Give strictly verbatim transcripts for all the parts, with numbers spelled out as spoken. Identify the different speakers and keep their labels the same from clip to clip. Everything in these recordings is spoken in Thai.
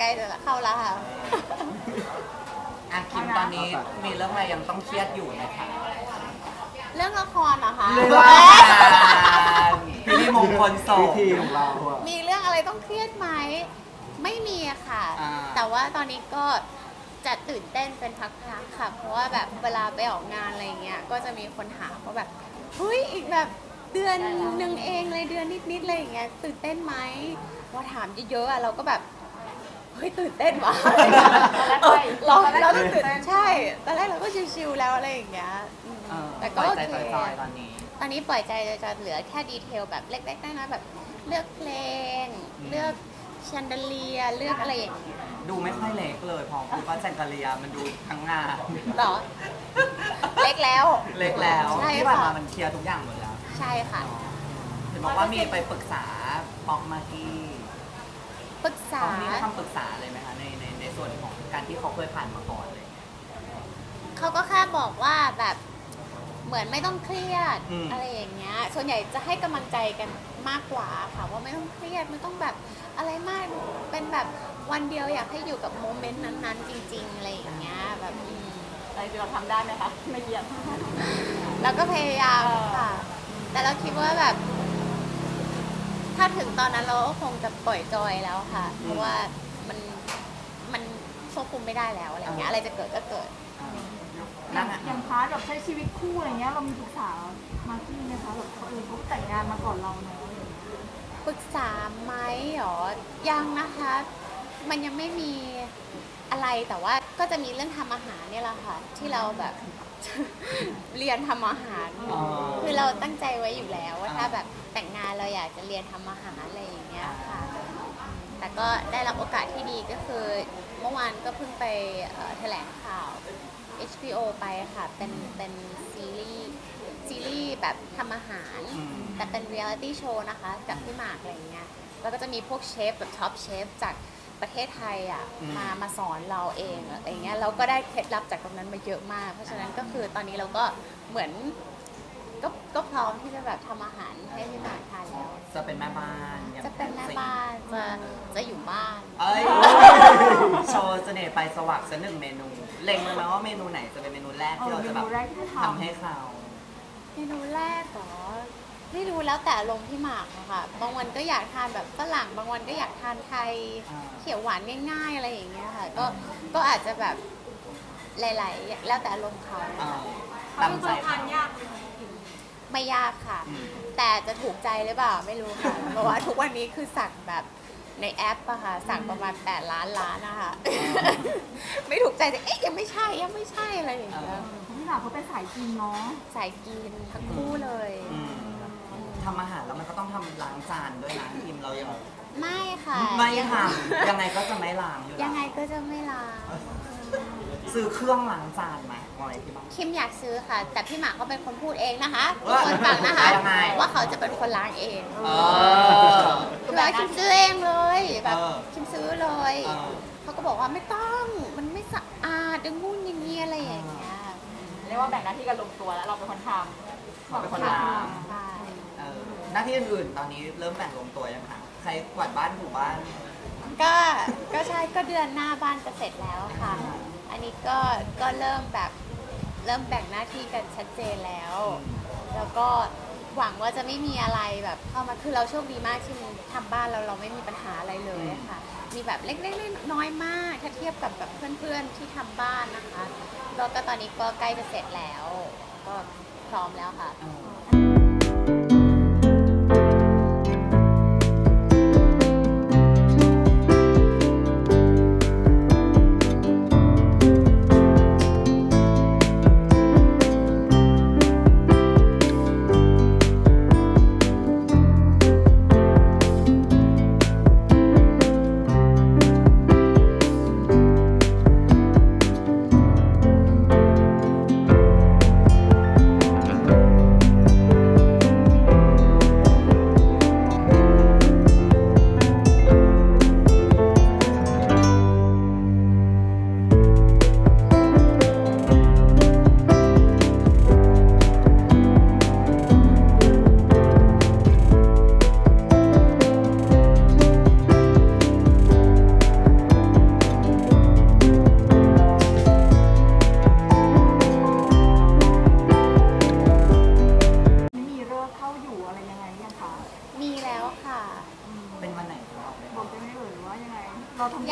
Speaker 1: จะเข้าแล้วค่ะ
Speaker 2: อ่ะคิมตอนนี้มีเรื่องอะไรยังต้องเครียดอยู่ไหมคะ
Speaker 1: เรื่องละครเหรอคะ
Speaker 2: เรื่องพิธีมงคลศพ
Speaker 3: พิธีของเราอะ
Speaker 1: มีเรื่องอะไรต้องเครียดไหมไม่มีอะค่ะ
Speaker 2: อ่า
Speaker 1: แต่ว่าตอนนี้ก็จะตื่นเต้นเป็นพักๆค่ะ เพราะว่าแบบเวลาไปออกงานอะไรเงี้ยก็จะมีคนถามว่าแบบเฮ้ยอีกแบบเดือนหนึ่งเองเลยเดือนนิดๆเลยอย่างเงี้ยตื่นเต้นไหมพอถามเยอะๆอะเราก็แบบเฮ้ยตื่นเต้นว่ะเออเราเราต้องตื่นใช่ตอนแรกเราก็ชิวๆแล้วอะไรอย่างเงี้ยอืม
Speaker 2: เออ
Speaker 1: แต่
Speaker 2: ป
Speaker 1: ก็
Speaker 2: ล่อย
Speaker 1: โอ
Speaker 2: ใจ
Speaker 1: เค
Speaker 2: จอยๆตอนนี้
Speaker 1: ตอนนี้ปล่อยใจจะเหลือแค่ดีเทลแบบเล็กๆน้อยๆแบบเลือกเพลง เลือกแชนเดเลียเลือกอะไรอย่างเงี้ย
Speaker 2: ดูไม่ค่อยเล็กเลยพอพูดว่าแซงกาเลียมันดูทั้งงาน
Speaker 1: หรอ เล็กแล้ว
Speaker 2: เล็กแล้ว
Speaker 1: ใช่
Speaker 2: ที่ผ่าน
Speaker 1: ค่ะ
Speaker 2: มามันเคลียร์ทุกอย่างหมดแล้ว
Speaker 1: ใช่ค่ะ
Speaker 2: เห็นบอกว่ามีไปปรึกษาป๊อกมากกี้
Speaker 1: ปรึกษา
Speaker 2: เขามีคำปรึกษาเลยไหมคะในในในส่วนของการที่เขาเคยผ่านมาก่อนเลย
Speaker 1: เขาก็แค่บอกว่าแบบเหมือนไม่ต้องเครียด
Speaker 2: อืม
Speaker 1: อะไรอย่างเงี้ยส่วนใหญ่จะให้กำลังใจกันมากกว่าค่ะว่าไม่ต้องเครียดไม่ต้องแบบอะไรมากเป็นแบบวันเดียวอยากให้อยู่กับโมเมนต์นั้นๆ จริงๆอะไรอย่างเงี้ยแบบอืม
Speaker 4: อะไรเราทำได้ไหมคะไม่เยียด
Speaker 1: เราก็พยายามค่ะ แต่เราคิดว่าแบบ ถ้าถึงตอนนั้นเราก็คงจะปล่อยจอยแล้วค่ะ เพราะว่ามันมันควบคุมไม่ได้แล้วอะไรเงี้ยอะไรจะเกิดก็เกิด
Speaker 2: นั่นอะ
Speaker 4: อย่างพาร์ทแบบใช้ชีวิตคู่อะไรเงี้ยเรามีปรึกษามาร์กี้ไหมคะแบบเออเขาแต่งงานมาก่อนเราเนาะอะไรอย่างเงี้ย
Speaker 1: ปรึกษาไหมหรอ ยังนะคะ มันยังไม่มีอะไรแต่ว่าก็จะมีเรื่องทำอาหารเนี่ยแหละค่ะ ที่เราแบบ เรียนทำอาหาร
Speaker 2: อ๋อ
Speaker 1: คือเราตั้งใจไว้อยู่แล้วว่าถ้าแบบแต่งงานเราอยากจะเรียนทำอาหารอะไรอย่างเงี้ยค่ะ แต่ก็ได้รับโอกาสที่ดีก็คือเมื่อวานก็เพิ่งไปเอ่อแถลงข่าว เอช บี โอ ไปค่ะ เป็นเป็นซีรีส์ซีรีส์แบบทำอาหาร
Speaker 2: อืม
Speaker 1: แต่เป็นเรียลิตี้โชว์นะคะกับพี่หมากอะไรอย่างเงี้ยแล้วก็จะมีพวกเชฟแบบท็อปเชฟจากประเทศไทยอ่ะมามาสอนเราเองอะไรอย่างเงี้ยเราก็ได้เคล็ดลับจากตรงนั้นมาเยอะมาก เพราะฉะนั้นก็คือตอนนี้เราก็เหมือนก็ก็พร้อมที่จะแบบทำอาหารให้พี่หมากทานแล้ว
Speaker 2: จะเป็นแม่บ้านอย่าง
Speaker 1: จะเป็นแม่บ้านจะจะอยู่บ้าน
Speaker 2: เอ้ย โชว์เสน่ห์ไปสวักสักหนึ่งเมนู เล็งเลยไหมว่าเมนูไหนจะเป็นเมนูแรกที่เราจะแบบ
Speaker 4: เมนูแรกที่ทำ
Speaker 2: ทำให้เขา
Speaker 1: เมนูแรกเหรอไม่รู้แล้วแต่ลงพี่หมากอะค่ะบางวันก็อยากทานแบบฝรั่งบางวันก็อยากทานไทยเขียวหวานง่ายๆอะไรอย่างเงี้ยค่ะ ก็ก็อาจจะแบบหลายๆแล้วแต่ลงเขา
Speaker 2: เอ่อตามใจเขา
Speaker 1: ไม่ยากค่ะ
Speaker 2: อืม
Speaker 1: แต่จะถูกใจหรือเปล่าไม่รู้ค่ะ เพราะว่าทุกวันนี้คือสั่งแบบในแอปอะค่ะสั่งประมาณแปดล้านล้านนะคะ ไม่ถูกใจแต่เอ๊ะยังไม่ใช่ยังไม่ใช่อะไรอย่างเงี้ย
Speaker 4: พี่หมากเขาเป็นสายกินเนาะ
Speaker 1: สายกินทั้งคู่เลย
Speaker 2: อืมทำอาหารแล้วมันก็ต้องทำล้างจานด้วยนะทีมเรายัง
Speaker 1: ไม่ค่ะ
Speaker 2: ไม่ทำยังไงก็จะไม่ล้างอยู่แล้ว
Speaker 1: ยังไงก็จะไม่ล้าง
Speaker 2: ซื้อเครื่องล้างจานไหมมอยที่บ้าน
Speaker 1: คิมอยากซื้อค่ะ แต่พี่หมากเขาเป็นคนพูดเองนะคะ
Speaker 2: เออ
Speaker 1: คนฟังนะคะ
Speaker 2: ยังไง
Speaker 1: ว่าเขาจะเป็นคนล้างเอง
Speaker 2: เออ
Speaker 1: คือว่าคิมซื้อเองเลยแบบ
Speaker 2: เออ
Speaker 1: คิมซื้อเลย
Speaker 2: เออ
Speaker 1: เขาก็บอกว่าไม่ต้องมันไม่สะอาดดึงงูนอย่างเงี้ยอะไรอย่างเงี้ย
Speaker 4: เรียกว่าแบ่งหน้าที่กันลงตัวแล้วเราเป็นคนทำ
Speaker 2: เขาเป็นคนล้าง
Speaker 1: ใช่
Speaker 2: เออหน้าที่อื่นๆ ตอนนี้เริ่มแบ่งลงตัวยังคะใครกวาดบ้านถูบ้าน
Speaker 1: ก็ก็ใช่ก็เดือนหน้าบ้านจะเสร็จแล้วค่ะ อันนี้ก็ก็เริ่มแบบเริ่มแบ่งหน้าที่กันชัดเจนแล้ว แล้วก็หวังว่าจะไม่มีอะไรแบบเข้ามาคือเราโชคดีมากที่ทำบ้านเราเราไม่มีปัญหาอะไรเลยค่ะ มีแบบเล็กๆน้อยๆมาก ถ้าเทียบกับแบบเพื่อนๆที่ทำบ้านนะคะแล้วก็ตอนนี้ก็ใกล้จะเสร็จแล้ว ก็พร้อมแล้วค่ะ
Speaker 2: เออ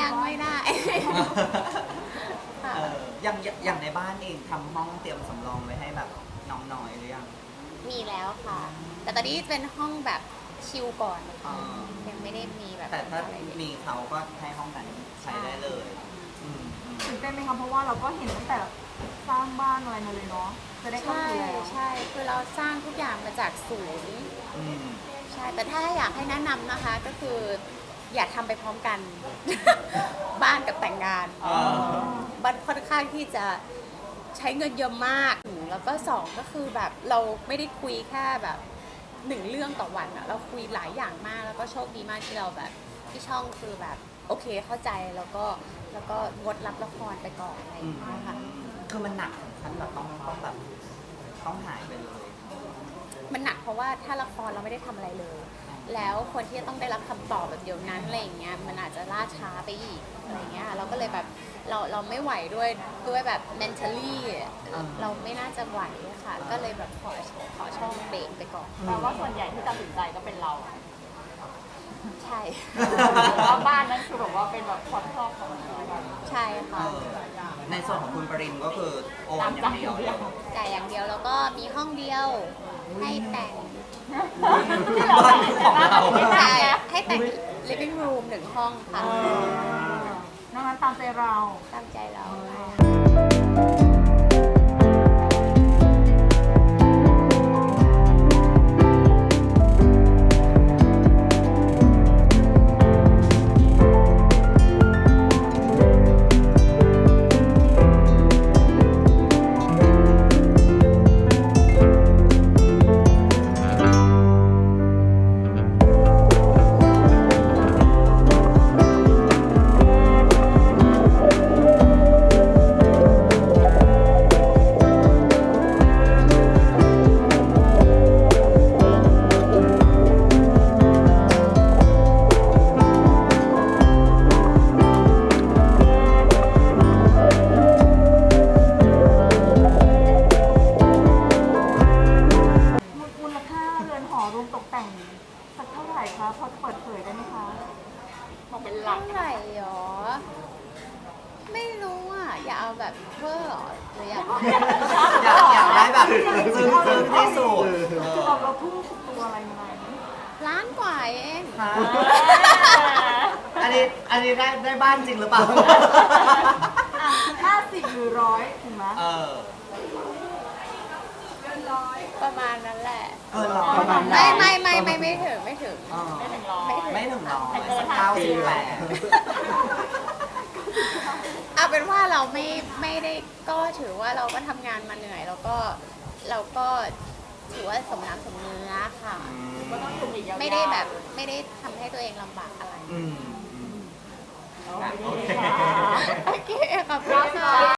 Speaker 1: ยังไม่ได้ ค่ะ
Speaker 2: เอออย่างอย่างในบ้านเองทำห้องเตรียมสำรองไว้ให้แบบน้องน้อยหรือยัง
Speaker 1: มีแล้วค่ะ แต่ตอนนี้เป็นห้องแบบชิลก่อน
Speaker 2: อ๋อ
Speaker 1: ยังไม่ได้มีแบบ
Speaker 2: แต่ถ้า
Speaker 1: อะไรเลย
Speaker 2: มีเขาก็ให้ห้องนั้นใช้ได้เลยอืมอืม
Speaker 4: ตื่นเต้นไหมคะเพราะว่าเราก็เห็นตั้งแต่สร้างบ้านอะไรมาเลยเนาะจะได้เข้า
Speaker 1: ใช่
Speaker 4: สู่แล้ว
Speaker 1: ใช่คือเราสร้างทุกอย่างมาจากศูนย์
Speaker 2: อืม
Speaker 1: ใช่ แต่ถ้าอยากให้แนะนำนะคะก็คือ อย่าทำไปพร้อมกัน บ้านกับแต่งงาน
Speaker 2: อ๋อ
Speaker 1: บ้านค่อนข้างที่จะใช้เงินเยอะมาก แล้วก็สองก็คือแบบเราไม่ได้คุยแค่แบบหนึ่งเรื่องต่อวันอะเราคุยหลายอย่างมาก แล้วก็โชคดีมากที่เราแบบที่ช่องคือแบบโอเคเข้าใจแล้วก็แล้วก็งดรับละครไปก่อนอะไรอ
Speaker 2: อื
Speaker 1: ย่าม งเงี้ยค่ะ
Speaker 2: คือมันหนักถึงขั้นแบบต้องต้องแบบต้องหายไปเลย
Speaker 1: มันหนักเพราะว่าถ้าละครเราไม่ได้ทำอะไรเลย แล้วคนที่จะต้องได้รับคำตอบแบบเดียวนั้นอะไรอย่างเงี้ยมันอาจจะล่าช้าไปอีกอะไรเงี้ยเราก็เลยแบบเราเราไม่ไหวด้วยด้วยแบบ mentally เราไม่น่าจะไหวค่ะ ก็เลยแบบขอขอช่องเบรกไปก่อน
Speaker 3: แปลว่าส่วนใหญ่ที่ตัดสินใจก็เป็นเรา
Speaker 1: ใช่
Speaker 3: เพราะว่าบ้านนั้นคือแบบว่าเป็นแบบความชอบของเราแบบ
Speaker 1: ใช่
Speaker 2: เอ
Speaker 1: ค่ะ
Speaker 2: อในส่วนของคุณปริมก็คือโอนอย่างเดียวเลย
Speaker 1: จ่ายอย่างเดียวแล้วก็มีห้องเดียวให้แต่ง
Speaker 2: บ้านของเรา
Speaker 1: ใช่ให้แต่ง living room หนึ่งห้องค่ะ
Speaker 4: นอกนั้นตามใจเรา
Speaker 1: ตามใจเราค่ะ
Speaker 4: มูลค่าเรือนหอรวมตกแต่งสักเท่าไหร่คะพอจะเปิดเผยได้ไหมคะ
Speaker 3: บอกเป็นหลั
Speaker 1: เท่าก ไหร่หรอ ไม่รู้อ่ะ อย่าเอาแบบเวอร์หรอหรืออยาก
Speaker 2: อยากอยากได้แบบซึ้งซึ้งที่สุดเออ
Speaker 4: เราเราทุ่มสุดตัวอะไรยังไง
Speaker 1: ล้านกว่าเอง
Speaker 2: ค่ะอันนี้อันนี้ได้ได้บ้านจริงหรือเปล่า
Speaker 4: ห้าสิบหรือร้อยถึงไหม
Speaker 2: เออ
Speaker 1: ประมาณนั้นแหละ
Speaker 2: เกินร้อย
Speaker 1: ไม่ไม่ไม่ไม่ไม่ถึงไม่ถึง
Speaker 2: เออ
Speaker 3: ไม่ถึงร้อย
Speaker 2: ไม่ถึงร้อยสักเก้าสิบแปด
Speaker 1: เอาเป็นว่าเราไม่ไม่ได้ก็ถือว่าเราก็ทำงานมาเหนื่อย แล้วก็เราก็ถือว่าสมน้ำสมเนื้อค่ะ
Speaker 3: ก็ต้องอยู่อีกยาวๆ
Speaker 1: ไม่ได้แบบไม่ได้ทำให้ตัวเองลำบากอะไร
Speaker 2: อืมอืม
Speaker 3: โอเค
Speaker 1: โอเคขอบคุณค่ะ